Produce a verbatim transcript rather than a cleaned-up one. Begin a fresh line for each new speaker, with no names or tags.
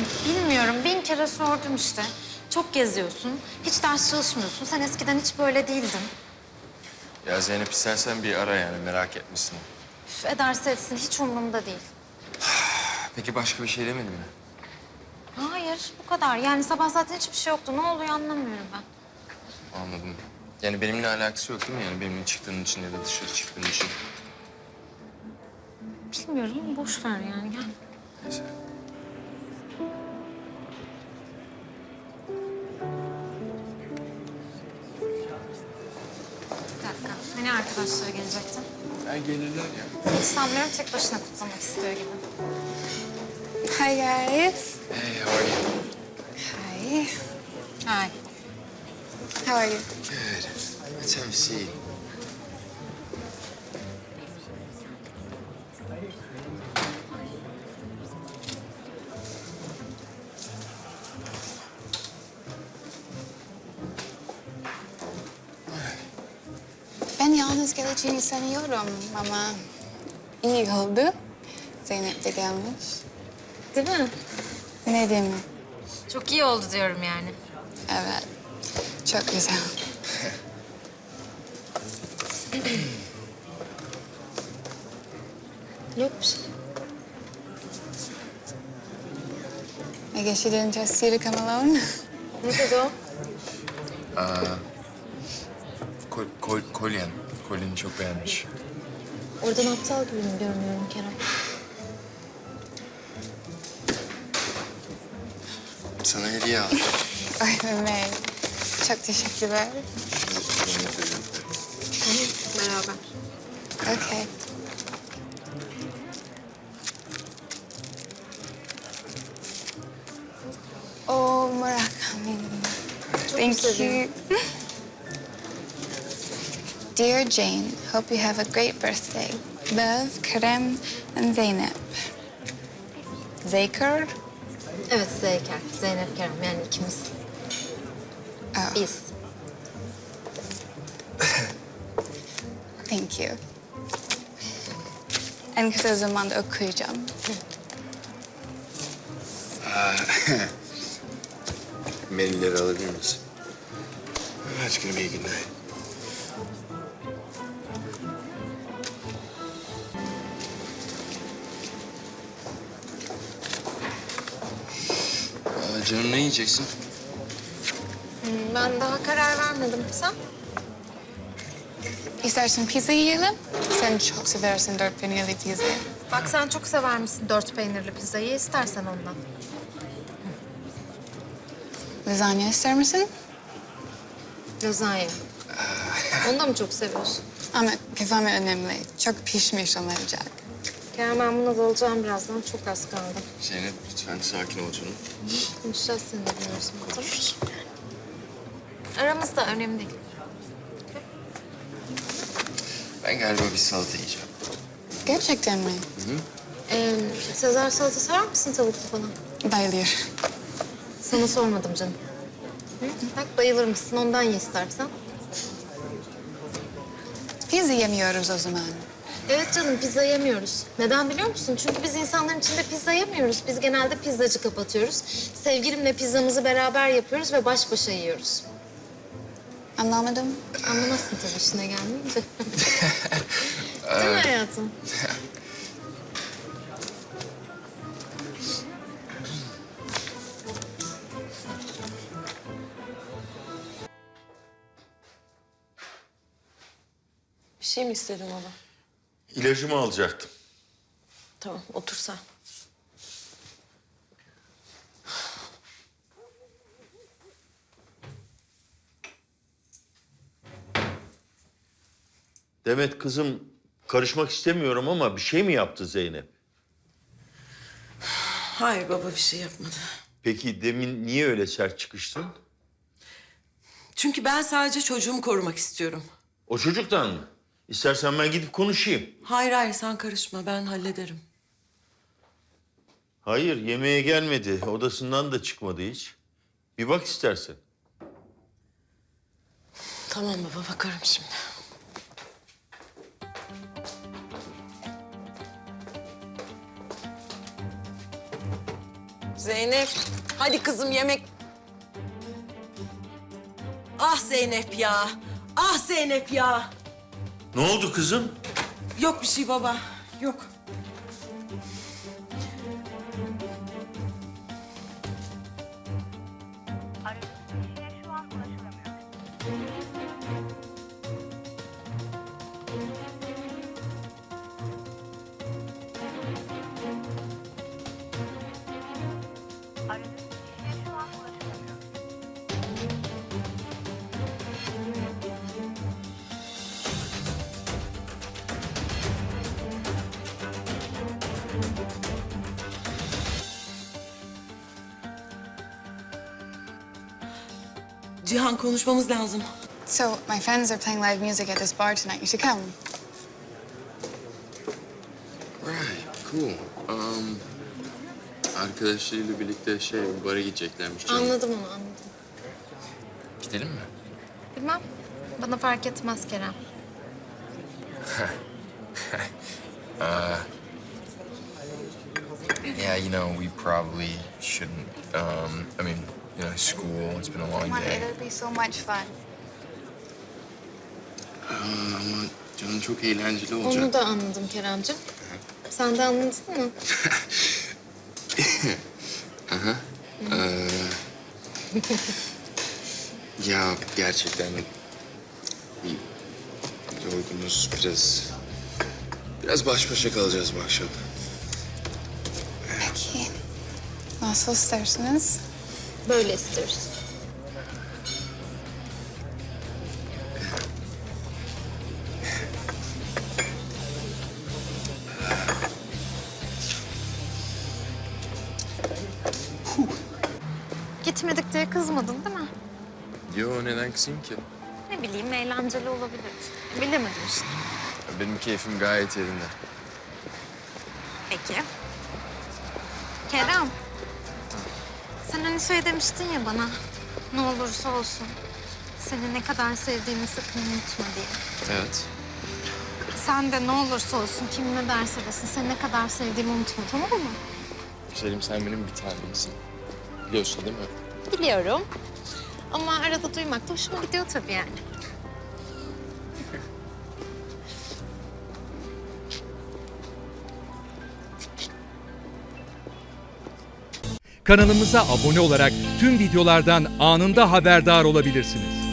Bilmiyorum, bin kere sordum işte. Çok geziyorsun, hiç ders çalışmıyorsun. Sen eskiden hiç böyle değildin.
Ya Zeynep istersen bir ara yani merak etmişsin.
Üf, ederse etsin, hiç umurumda değil.
Peki başka bir şey demedi mi?
Hayır, bu kadar. Yani sabah zaten hiçbir şey yoktu. Ne oluyor anlamıyorum ben.
Anladım. Yani benimle alakası yok değil mi? Yani benimle çıktığın için ya da dışarı çıktığın için.
Bilmiyorum, boş ver yani. Gel.
Neyse.
Bir dakika. Hani arkadaşları gelecekti?
Ya gelirler ya.
Hiç sanmıyorum, tek başına kutlamak istiyor gibi.
Hi guys.
Hey, how are you?
Hi.
Hay.
How are you?
Good. Let's have a seat.
Ben yalnız geleceğini sanıyorum ama iyi oldu. Zeynep de gelmiş.
Değil mi?
Ne diyeyim?
Çok iyi oldu diyorum yani.
Evet. Çok güzel.
Yok bir şey.
I guess you didn't just see to come alone.
Ne dedi o?
Kol, kol, kolyen. Kolyeni çok beğenmiş.
Oradan aptal gibi mi görünüyorum Kerem?
Sana hediye aldım.
Ay Mehmet. Çok teşekkürler.
Zeynep dedi.
Beraber.
Okay. Oh, Murakami. Thank you. Dear Jane, hope you have a great birthday. Love, Kerem, and Zeynep. Zeker?
Evet, Zeyker. Zeynep Kerem yani ikimiz.
Oh,
Biz.
thank you. En kısa zamanda okuyacağım.
Mailleri alabilir misin? That's gonna be a good night. Aa, canım ne yiyeceksin?
Hmm, Ben daha karar vermedim. Sen?
İstersen pizza yiyelim. Sen çok seversin dört peynirli pizza.
Bak sen çok sever misin dört peynirli pizzayı? İstersen ondan.
Lazanya ister misin?
Lazanya. Onu da mı çok seviyorsun?
Ama kıvamı önemli. Çok pişmiş olmayacak.
Kerem ben buna dalacağım birazdan. Çok az kaldı.
Zeynep lütfen sakin ol canım.
Konuşacağız seninle biliyorsun. Tamam. Aramız da önemli değil.
Ben galiba bir salata yiyeceğim.
Gerçekten mi?
Ee, Sezar salata sever misin tavuklu falan?
Bayılıyor.
Sana sormadım canım. Hı? Bak bayılır mısın? Ondan ye istersen.
Pizza yemiyoruz o zaman.
Evet canım pizza yemiyoruz. Neden biliyor musun? Çünkü biz insanların içinde pizza yemiyoruz. Biz genelde pizzacı kapatıyoruz. Sevgilimle pizzamızı beraber yapıyoruz ve baş başa yiyoruz.
Anlamadım.
Anlamazsın tabii işine gelmeyince. Değil mi hayatım?
Bir şey mi istedin baba?
İlacımı alacaktım.
Tamam, otur sen.
Demet kızım, karışmak istemiyorum ama bir şey mi yaptı Zeynep?
Hayır baba, bir şey yapmadı.
Peki demin niye öyle sert çıkıştın?
Çünkü ben sadece çocuğumu korumak istiyorum.
O çocuktan mı? İstersen ben gidip konuşayım.
Hayır hayır, sen karışma, ben hallederim.
Hayır, yemeğe gelmedi. Odasından da çıkmadı hiç. Bir bak istersen.
Tamam baba, bakarım şimdi. Zeynep, hadi kızım yemek. Ah Zeynep ya, ah Zeynep ya.
Ne oldu kızım?
Yok bir şey baba, yok.
Aradığınız kişiye şu an ulaşılamıyor. Aradığınız kişiye şu an ulaşılamıyor.
Cihan konuşmamız lazım.
So, my friends are playing live music at this bar tonight. You should come.
Right, cool. Um, arkadaşlarıyla birlikte şey, bara gideceklermiş. canım.
Anladım onu, anladım.
Gidelim mi?
Bilmem. Bana fark etmez Kerem.
Yeah, you know, we probably shouldn't. Um, I mean, you know, school, it's been a long
Come on,
day.
it'll be so much fun.
Ama canım çok eğlenceli olacak.
Onu da anladım Keremciğim. Sen de anladın mı?
Ya gerçekten bir yorgunuz, biraz biraz baş başa kalacağız bu akşam.
Peki. Nasıl isterseniz.
Böyle istiyoruz. Gitmedik diye kızmadın değil mi?
Yo, neden kızayım ki?
Ne bileyim, eğlenceli olabilir. Bilemedim işte.
Benim keyfim gayet yerinde.
Peki. Kerem. Sen hani şey demiştin ya bana. Ne olursa olsun. Seni ne kadar sevdiğimi sakın unutma diye.
Evet.
Sen de ne olursa olsun kim ne derse desin seni ne kadar sevdiğimi unutma, tamam mı?
Güzelim, sen benim bir tanemsin. Biliyorsun değil mi?
Biliyorum. Ama arada duymak da hoşuma gidiyor tabii yani.
Kanalımıza abone olarak tüm videolardan anında haberdar olabilirsiniz.